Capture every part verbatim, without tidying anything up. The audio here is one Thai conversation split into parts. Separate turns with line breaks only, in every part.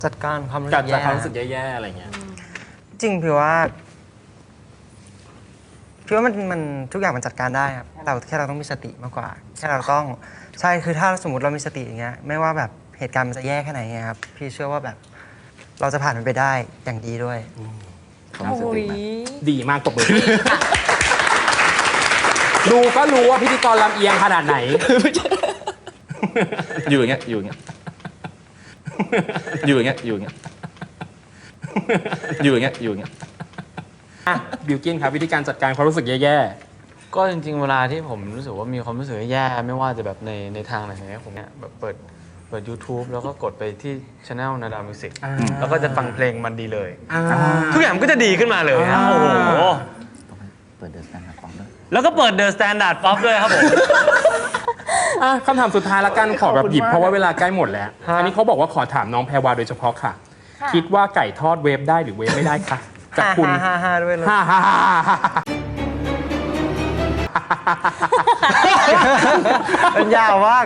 จัดการความรู้
จั
สึ
ด
ก
จาก
แย่
ความรู้สึกแย่ๆอะไรเงี้ย
จริงพี่ว่าพี่ว่ามันมันทุกอย่างมันจัดการได้ครับเราแค่เราต้องมีสติมากกว่าแค่เราต้องใช่คือถ้าสมมติเรามีสติอย่างเงี้ยไม่ว่าแบบเหตุการณ์มันจะแย่แค่ไหนเงี้ยครับพี่เชื่อว่าแบบเราจะผ่านมันไปได้อย่างดีด้วย
โอ้ย
ดีมากตบมือดูก็รู้ว่าพิธีกรลำเอียงขนาดไหน
อยู่อย่างเงี้ยอยู่อย่างเงี้ยอยู่อย่างเงี้ยอยู่อย่างเงี้ยอยู่อย่างเงี้ยอยู่อย่างเงี้ย
อ่ะบิวกินครับวิธีการจัดการความรู้สึกแย่
ก็จริงๆเวลาที่ผมรู้สึกว่ามีความรู้สึกแย่ไม่ว่าจะแบบในในทางไหนเนี่ยผมเนี่ยแบบเปิดเปิด YouTube แล้วก็กดไปที่ช anel นาดามิวสิกแล้วก็จะฟังเพลงมันดีเลย
ๆอ่า
ทุกอย่างมันก็จะดีขึ้นมาเลยนะ
อ่า
โอ้โห
เปิดเดอะสแตนดาร์ดฟอร์มด้วย
แล้วก็เปิด The Standard Pop ด้วยครับผม
อ่ะคำถามสุดท้ายละกันขอแบบหยิบเพราะว่าเวลาใกล้หมดแล้ว อันนี้เขาบอกว่าขอถามน้องแพรวาโดยเฉพาะค่ะ คิดว่าไก่ทอดเวฟได้หรือเวฟไม่ได้คะจากคุณ
ฮ่าฮ่าฮ่าด้วยเลย
ฮ่าฮ่าฮ่าฮ่า
มันยาวมาก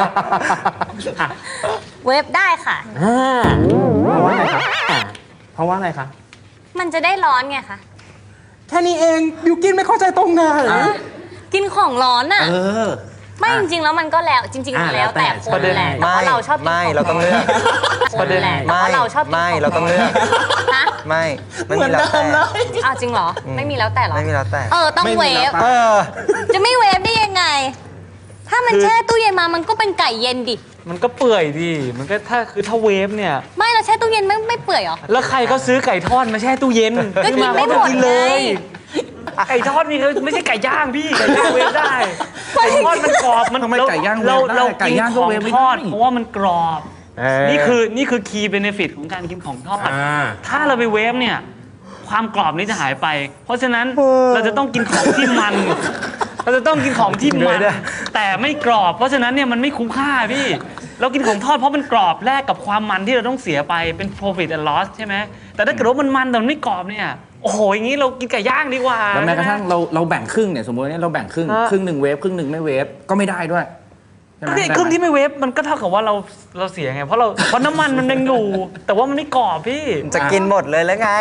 เว็บได้ค่ะ
อ่าเพราะว่าอะไรคะอ่าเพราะว่าอะไรคะ
มันจะได้ร้อนไงคะ
แค่นี้เองบิวกินไม่เข้าใจตรงไหน
กินของร้อนอ่ะ
เออ
ไม่จริงๆแล้วมันก็แล้วจริงๆ
อ่ะ
มันแล้วแต่
แล้วแต่
คนแหละแต่ว่าเราชอบกิน
ไม่
ของ
เราต้องเลือก
คนแหละแต่ว่าเราชอบกิน
ไม่
ของ
เราต้องเลือก
ฮะ
ไม่ไม่มีแล้วแต่
อ้าวจริงเหรอ ไม่มีแล้วแต่เหรอ
ไม่มีแล้วแต่
เออต้องเวฟ
เออ
จะไม่เวฟได้ยังไง ถ้ามันแช่ตู้เย็นมามันก็เป็นไก่เย็นดิ
มันก็เปื่อยดิมันก็ถ้าคือถ้าเวฟเนี่ย
ไม่เราแช่ตู้เย็นไม่ไม่เปื่อยเหรอ
แล้วใครก็ซื้อไก่ทอดมาแช่ตู้เย็น
ก็กินไม่หมด
กินเลย
ไง
ไก่ทอดนี่ไม่ใช่ไก่ย่างพี่ไก่ย่างเวฟได้ไก่ทอดมันกรอบมัน
ทำไมไก่ย่างเวฟ
เรา
ได้
เรา
ไก่
กิน
ย่าง
ข
ก็
อง
เวฟไม่
ทอด
ได้
เพราะว่ามันกรอบ
เออ
นี่คือนี่คือคีย์เบเนฟิตของการกินของทอด
อ่า
ถ้าเราไปเวฟเนี่ยความกรอบนี้จะหายไป เพราะฉะนั้นเราจะต้องกินของที่มัน เราจะต้องกินของที่มันแต่ไม่กรอบ เพราะฉะนั้นเนี่ยมันไม่คุ้มค่าพี่เรากินของทอดเพราะมันกรอบแลกกับความมันที่เราต้องเสียไปเป็น profit and loss ใช่ไหมแต่ถ้าเกิดว่ามันมันแต่มันไม่กรอบเนี่ยโอ้โหอย่างนี้เรากินไก่ย่างดีกว่า
แล้วแม้กระทั่งเราเราแบ่งครึ่งเนี่ยสมมติว่าเนี่ยเราแบ่งครึ่ง
ฮะ
ครึ่งหนึ่งเวฟครึ่งหนึ่งไม่เวฟก็ไม่ได้ด้วยใช่ไหม
นี่
ได้ไหม
ครึ่งที่ไม่เวฟมันก็เท่ากับว่าเราเราเสียไงเพราะเราเพราะน้ำมันมันยังอยู่ แต่ว่ามันไม่กรอบพี่
จะกินหมดเลยแล้วไง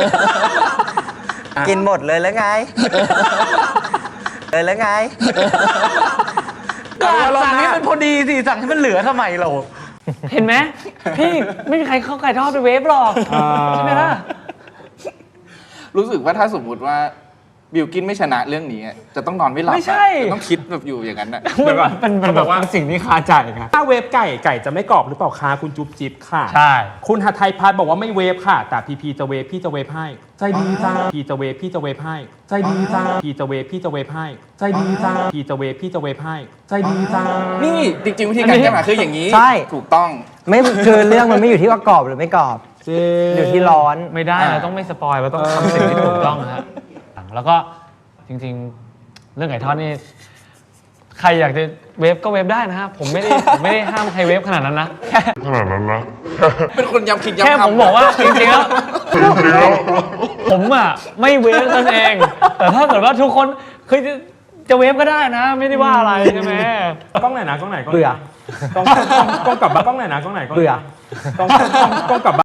กินหมดเลยแล้วไง เลยแล้วไง
ก็สั่งให้มันพอดีสิสั่งให้มันเหลือทำไมเรา เห็นไหมพี่ไม่มีใครเข้าไก่ทอดไปเวฟหรอกใช่ไหมล่ะ
รู้สึกว่าถ้าสมมุติว่าบิวกินไม่ชนะเรื่องนี้อะจะต้องนอนไม่หลับ
ไม่ใช่
อะจะต้องคิดแบบอยู่อย่างนั้นอะ
มันมันแบบว่าสิ่งที่คาใจครับ
ถ้าเวฟไก่ไก่จะไม่กรอบหรือเปล่าคะคุณจุ๊บจิ๊บค่ะ
ใช่
คุณหัทไทยพัฒน์บอกว่าไม่เวฟค่ะ แต่พีพีจะเวฟพี่จะเวฟให้ใจดีจ้าพีจะเวฟพี่จะเวฟให้ใจดีจ้าพีจะเวฟพี่จะเวฟให้ใจดีจ้าพีจะเวฟพี่จะเวฟให้ใจดีจ้า
นี่จริงๆวิธีการแก้ปัญหาคืออย่างนี้
ใช่
ถูกต้อง
ไม่คือเรื่องมันไม่อยู่ที่ว่ากรอบหรือไม่กรอบ อยู่ที่ร้อน
ไม่ได้เราต้องไม่สปอยเราต้องทำสิ่งที่ถูกต้องนะฮะแล้วก็จริงๆ เรื่องไก่ทอดนี่ใครอยากจะเวฟก็เวฟได้นะฮะผมไม่ได้ผมไม่ได้ห้ามใครเวฟขนาดนั้นนะแค่
เป็นคนย้ำคิดย้ำ
แค่
ทำ
ผมบอกว่าจริงๆแล้วผมอ่ะไม่เวฟนั่นเอง แต่ถ้าเกิดว่าทุกคนคือจะจะเวฟก็ได้นะ ไม่ได้ว่าอะไรใช่ไหม
กล้องไหนนะกล้องไหนกล้องไหน
เบื่อ
กล้องกล้องกล้องกลับบ้านกล้องไหนนะกล้องไหนกล้องไหน
เบื่อ
กล้องกล้องกล้องกลับบ้าน